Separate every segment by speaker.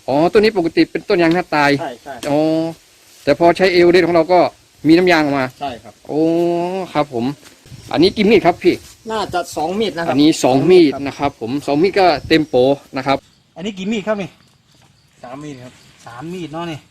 Speaker 1: อ๋อต้นนี้ปกติเป็นต้นยางหน้าตาย
Speaker 2: ใช่ใช่
Speaker 1: อ๋อแต่พอใช้เอเวอเรสต์ของเราก็มีน้ำยางออกมา
Speaker 2: ใช่ครับ
Speaker 1: โอ้ครับผมอันนี้กี่มีดครับพี่
Speaker 2: น่าจะ2 มีดนะครับ
Speaker 1: อันนี้2 มีดนะครับผม2 มีดก็เต็มโปนะครับ
Speaker 3: อันนี้กี่มีดครับนี่
Speaker 2: 3 มีดครับ
Speaker 3: 3 มีดเนาะนี่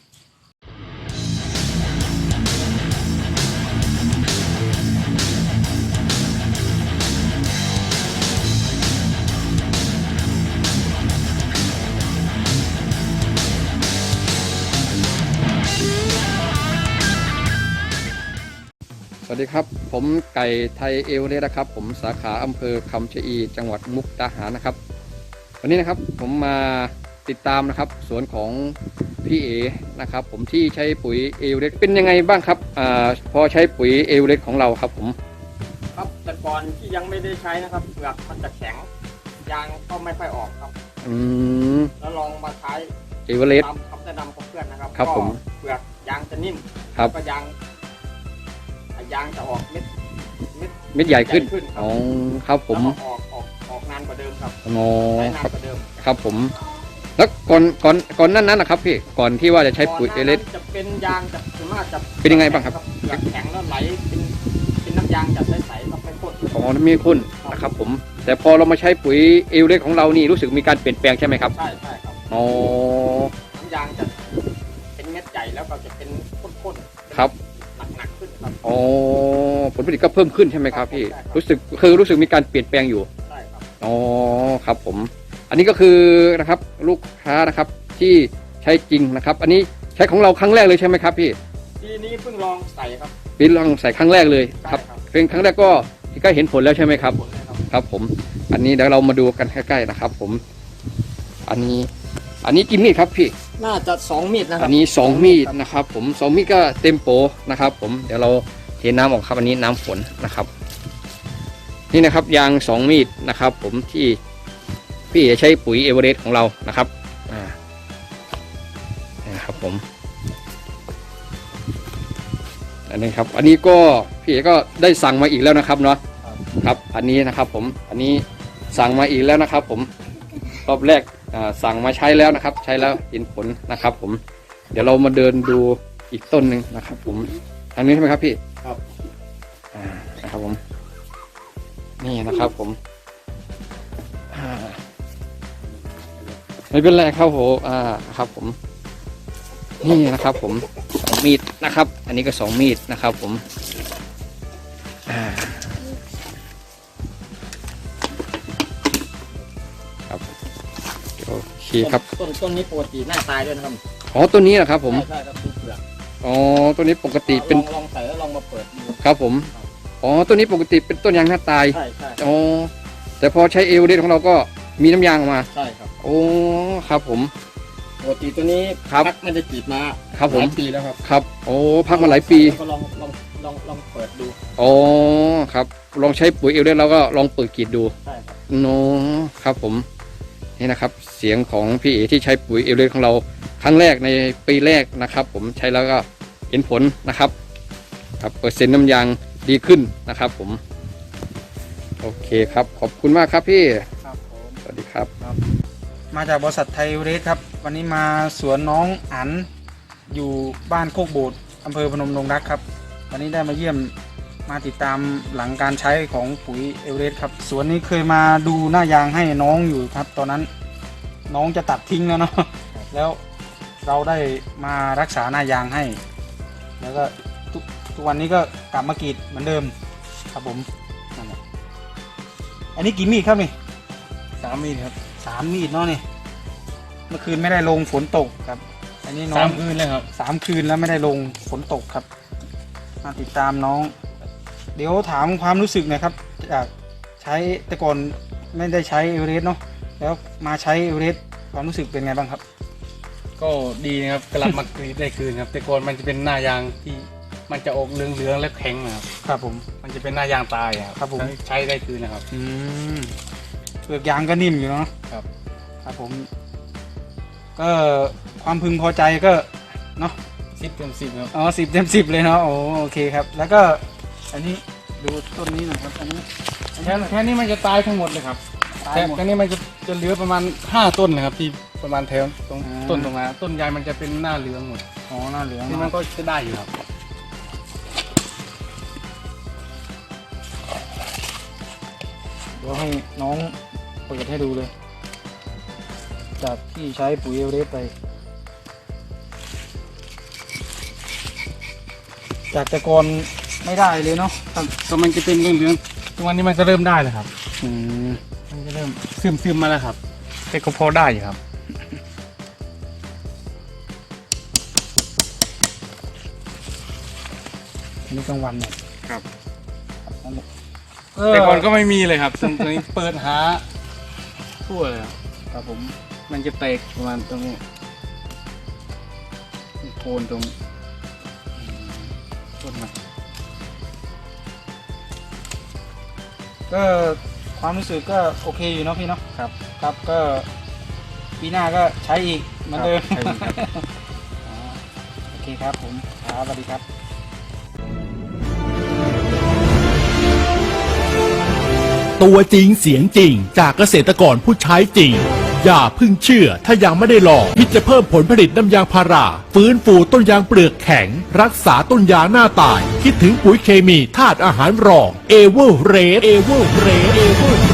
Speaker 1: สวัสดีครับผมไก่ไทยเอเวอเรสต์นะครับผมสาขาอำเภอคำชะอีจังหวัดมุกดาหารนะครับวันนี้นะครับผมมาติดตามนะครับสวนของพี่เอนะครับผมที่ใช้ปุ๋ยเอเวอเรสต์เป็นยังไงบ้างครับพอใช้ปุ๋ยเอเวอเรสต์ของเราครับผม
Speaker 2: ครับแต่ก่อนที่ยังไม่ได้ใช้นะครับเปลือกมันจะแข็งยางก็ไม่ค่อยออกครับแล้วลองมาใช้
Speaker 1: เอเวอเรสต์
Speaker 2: ตามคำแนะนำของเพื่อนนะครับ
Speaker 1: ครับผม
Speaker 2: เปลือกยางจะนิ่ม
Speaker 1: ครับ
Speaker 2: ก็ยางจะออกเ
Speaker 1: ม็ดใหญ่ขึ้นอ๋อครับผม
Speaker 2: ออกนานกว่าเดิมครับ
Speaker 1: อ๋อ
Speaker 2: ใช้นานกว่าเดิม
Speaker 1: ครับผมแล้วก่อนนั้นนะครับพี่ก่อนที่ว่าจะใช้ปุ๋ยเอเวอเรสต์
Speaker 2: จะเป็นยางจะส่วนมากจะ
Speaker 1: เป็นยังไงบ้างครับ
Speaker 2: เปลือกแข็งแล้วไหลเป็นน้ำยางจะใสๆต้องไปพ่น
Speaker 1: อ๋อน้ำมีข้นนะครับผมแต่พอเรามาใช้ปุ๋ยเอเวอเรสต์ของเรานี่รู้สึกมีการเปลี่ยนแปลงใช่ไหมครับ
Speaker 2: ใช่ครับ
Speaker 1: อ๋อ
Speaker 2: น้ำยางจะเป็นเม็ดใหญ่แล้วก็จะเป็นข้นๆ
Speaker 1: ครับ
Speaker 2: หนักขึ้นครับ
Speaker 1: อ๋อผลผลิตก็เพิ่มขึ้นใช่ไหมครับพี่รู้สึกมีการเปลี่ยนแปลงอยู่
Speaker 2: ใช่ครับ
Speaker 1: อ๋อครับผมอันนี้ก็คือนะครับลูกค้านะครับที่ใช้จริงนะครับอันนี้ใช้ของเราครั้งแรกเลยใช่ไหมครับพี่
Speaker 2: ปีนี้เพิ่งลองใส่ครับ
Speaker 1: ปีลองใส่ครั้งแรกเลยครับเป็นครั้งแรกก็เห็นผลแล้วใช่ไหมครับครับผมอันนี้เดี๋ยวเรามาดูกันใกล้ๆนะครับผมอันนี้กี่มีดครับพี่
Speaker 2: น่าจะ2 มีดนะครับ
Speaker 1: อันนี้2 มีดนะครับผม2 มีดก็เต็มโปนะครับผมเดี๋ยวเราเทน้ำออกครับอันนี้น้ำฝนนะครับนี่นะครับยาง2 มีดนะครับผมที่พี่จะใช้ปุ๋ยเอเวอเรสต์ของเรานะครับนะครับผมอันนี้ครับอันนี้ก็พี่ก็ได้สั่งมาอีกแล้วนะครับเนาะครับอันนี้นะครับผมอันนี้สั่งมาอีกแล้วนะครับผมรอบแรกสั่งมาใช้แล้วนะครับใช้แล้วเห็นผลนะครับผมเดี๋ยวเรามาเดินดูอีกต้นหนึ่งนะครับผมอันนี้ใช่ไหมครับพี่
Speaker 2: ครับ
Speaker 1: นะครับผมนี่นะครับผมไม่เป็นไรครับผมครับผมนี่นะครับผม2 มีดนะครับอันนี้ก็2 มีดนะครับผมครับโอเคครับ
Speaker 2: ต้นนี้ปกติหน้าตายด้วยนะครับ
Speaker 1: อ๋อต้นนี้นะครับผม
Speaker 2: ใช่ครับเปลือก
Speaker 1: อ๋อต้นนี้ปกติเป็น
Speaker 2: ลองใส่แล้วลองมาเปิดดู
Speaker 1: ครับผมอ๋อต้นนี้ปกติเป็นต้นยางหน้าตาย
Speaker 2: ใช่
Speaker 1: อ๋อแต่พอใช้เอเวอเรสต์ของเราก็มีน้ำยางออกมา
Speaker 2: ใช่ครับ
Speaker 1: โอ้ครับผม
Speaker 2: ปกติตัวนี้พักไม่ได้กรีดมา
Speaker 1: ครับผม
Speaker 2: หลายปีแล้วครับ
Speaker 1: ครับโอ้พักมาหลายปี
Speaker 2: ก็ลองเปิดดู
Speaker 1: อ๋อครับลองใช้ปุ๋ยเอเวอเรสต์แล้วก็ลองเปิดกรีดดู
Speaker 2: ใช่ครับ
Speaker 1: โน้ครับผมนี่นะครับเสียงของพี่เอที่ใช้ปุ๋ยเอเวอเรสต์ของเราครั้งแรกในปีแรกนะครับผมใช้แล้วก็เห็นผลนะครับครับเปอร์เซ็นต์น้ำยางดีขึ้นนะครับผมโอเคครับขอบคุณมากครับพี่
Speaker 3: ครับผม
Speaker 1: สวัสดีครับ
Speaker 3: มาจากบริษัทไทยเอเวอเรสต์ครับวันนี้มาสวนน้องอั๋นอยู่บ้านโคกโบดอำเภอพนมดงรักครับวันนี้ได้มาเยี่ยมมาติดตามหลังการใช้ของปุ๋ยเอเวอเรสต์ครับสวนนี้เคยมาดูหน้ายางให้น้องอยู่ครับตอนนั้นน้องจะตัดทิ้งแล้วเนาะแล้วเราได้มารักษาหน้ายางให้แล้วก็ทุกวันนี้ก็กลับมากรีดเหมือนเดิมครับผมนั่นแหละอันนี้กี่มีดครับนี่
Speaker 2: 3 มีดครับ
Speaker 3: 3 มีดเนาะนี่เมื่อคืนไม่ได้ลงฝนตกครับอันนี้น้อง
Speaker 2: 3 คืนแล้วครับ
Speaker 3: 3 คืนแล้วไม่ได้ลงฝนตกครับมาติดตามน้องเดี๋ยวถามความรู้สึกหน่อยครับจากใช้แต่ก่อนไม่ได้ใช้เอเวอเรสต์เนาะแล้วมาใช้เอเวอเรสต์ความรู้สึกเป็นไงบ้างครับ
Speaker 4: ก็ดีนะครับกลับมากรีดได้คืนครับแต่ก่อนมันจะเป็นหน้ายางที่มันจะออกเหลืองๆและแข็งนะครับ
Speaker 3: ครับผม
Speaker 4: มันจะเป็นหน้ายางตาย
Speaker 3: ครับผม
Speaker 4: ใช้ได้คืนนะครับ
Speaker 3: เปลือกยางก็นิ่มอยู่เนาะ
Speaker 4: ครับ
Speaker 3: ครับผมก็ความพึงพอใจก็เนาะ
Speaker 4: 10 เต็ม 10ครับ
Speaker 3: อ๋อ10 เต็ม 10เลยเนาะโอเคครับแล้วก็อันนี้ดูต้นนี้หน่อยครับอันนี้
Speaker 4: แค่นี้มันจะตายทั้งหมดเลยครับแค่นี้มันจะเหลือประมาณ5 ต้นนะครับที่ประมาณแถวตรงต้นตรงนั้นต้นยางมันจะเป็นหน้าเหลืองหมด
Speaker 3: อ๋อหน้าเหลือง
Speaker 4: นี่มันก็จะได้อยู่ครับ
Speaker 3: เดี๋ยวให้น้องเปิดให้ดูเลย จากที่ใช้ปุ๋ยเอเวอเรสต์ไป จากแต่ก่อนไม่ได้เลยเนาะ
Speaker 4: ก็มันจะเป็นเหลืองๆตรงนี้มันก็เริ่มได้แล้วครับ
Speaker 3: อืม
Speaker 4: มันจะเริ่มซึมๆมาแล้วครับแต่ก็พอได้อยู่ครับ
Speaker 3: อันนี้กลางวันเนี่ย
Speaker 4: ครับ
Speaker 3: นั่นแหละ
Speaker 4: แต่ก่อนก็ไม่มีเลยครับตรงนี้เปิดหาทั่วเลยครับ
Speaker 3: ครับผม
Speaker 4: มันจะแตกประมาณตรงนี้โคนตรงต้นมัน
Speaker 3: ก็ความรู้สึกก็โอเคอยู่เนาะพี่เนาะครับ ครับก็ปีหน้าก็ใช้อีกเหมือนเดิม
Speaker 4: ใช่ครับ
Speaker 3: อ๋อโอเคครับผมครับสวัสดีครับ
Speaker 5: ตัวจริงเสียงจริงจากเกษตรกรผู้ใช้จริง อย่าเพึ่งเชื่อถ้ายังไม่ได้ลองคิดจะเพิ่มผลผลิตน้ำยางพาราฟื้นฟูต้นยางเปลือกแข็ง รักษาต้นยางหน้าตาย คิดถึงปุ๋ยเคมีธาตุอาหารรองเอเวอร์เรส